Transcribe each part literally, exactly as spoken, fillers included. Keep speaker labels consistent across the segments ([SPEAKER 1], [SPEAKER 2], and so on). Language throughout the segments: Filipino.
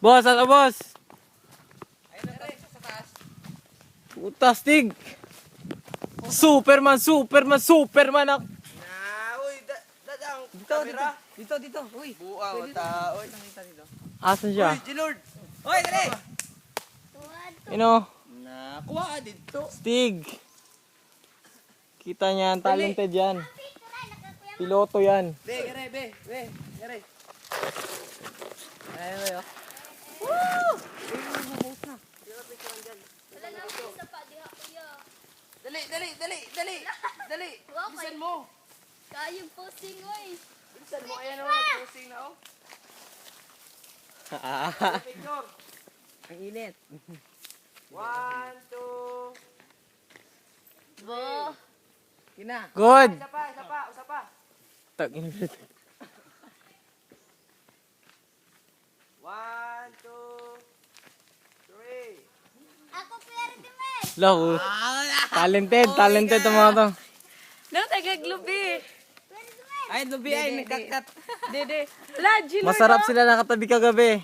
[SPEAKER 1] Boss, ano boss? Puta, Stig. Superman, Superman, Superman ako.
[SPEAKER 2] Na, uy, dadang
[SPEAKER 3] Dito, dito.
[SPEAKER 2] camera.
[SPEAKER 3] Dito, dito. Uy.
[SPEAKER 2] Buang
[SPEAKER 3] Pwede
[SPEAKER 2] ta, uy.
[SPEAKER 3] Nakita dito.
[SPEAKER 1] Asan siya?
[SPEAKER 2] Uy, G-Lord.
[SPEAKER 3] Uy, dali.
[SPEAKER 1] You know,
[SPEAKER 2] Na, kuha ka dito.
[SPEAKER 1] Stig. Kita niyan, talented yan. Piloto yan.
[SPEAKER 2] Be, gare, be, be, gare.
[SPEAKER 3] Ayun, ayun.
[SPEAKER 2] Dali, dali, dali, dali. Dali. Bilisan mo.
[SPEAKER 4] Kayong posting, oy.
[SPEAKER 2] Bilisan mo. Ayan o, posting na oh. Picture.
[SPEAKER 3] Ang init.
[SPEAKER 2] One, two.
[SPEAKER 4] Bo.
[SPEAKER 3] Kina.
[SPEAKER 1] Good.
[SPEAKER 2] Isa pa, isa pa, isa pa.
[SPEAKER 1] Tagin.
[SPEAKER 2] One, two, three.
[SPEAKER 4] Ako pwede men.
[SPEAKER 1] Lako. Talented, talented ang mga to.
[SPEAKER 5] No, tagaglubi.
[SPEAKER 3] Ay, lubi ay, nagkakat.
[SPEAKER 5] Dede. Wala, Gino.
[SPEAKER 1] Masarap sila nakatabi kagabi.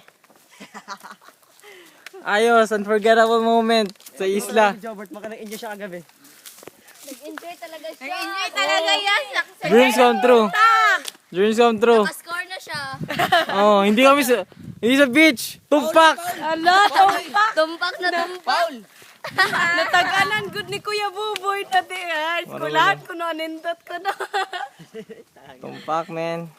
[SPEAKER 1] Ayos, unforgettable moment sa isla.
[SPEAKER 3] Jobert, maka nag-enjoy siya kagabi.
[SPEAKER 4] Nag-enjoy talaga siya.
[SPEAKER 5] Nag-enjoy talaga yan.
[SPEAKER 1] Dreams come true. Dreams come true.
[SPEAKER 4] Score na siya.
[SPEAKER 1] Oh, hindi kami sa hindi sa beach. Tumpak.
[SPEAKER 5] Ala, tumpak.
[SPEAKER 4] Tumpak na tumpak.
[SPEAKER 2] Paul.
[SPEAKER 5] Nataganan good ni Kuya Buboy. Tati, ah. Skulahan ko na, nindot ko na.
[SPEAKER 1] Tumpak, man.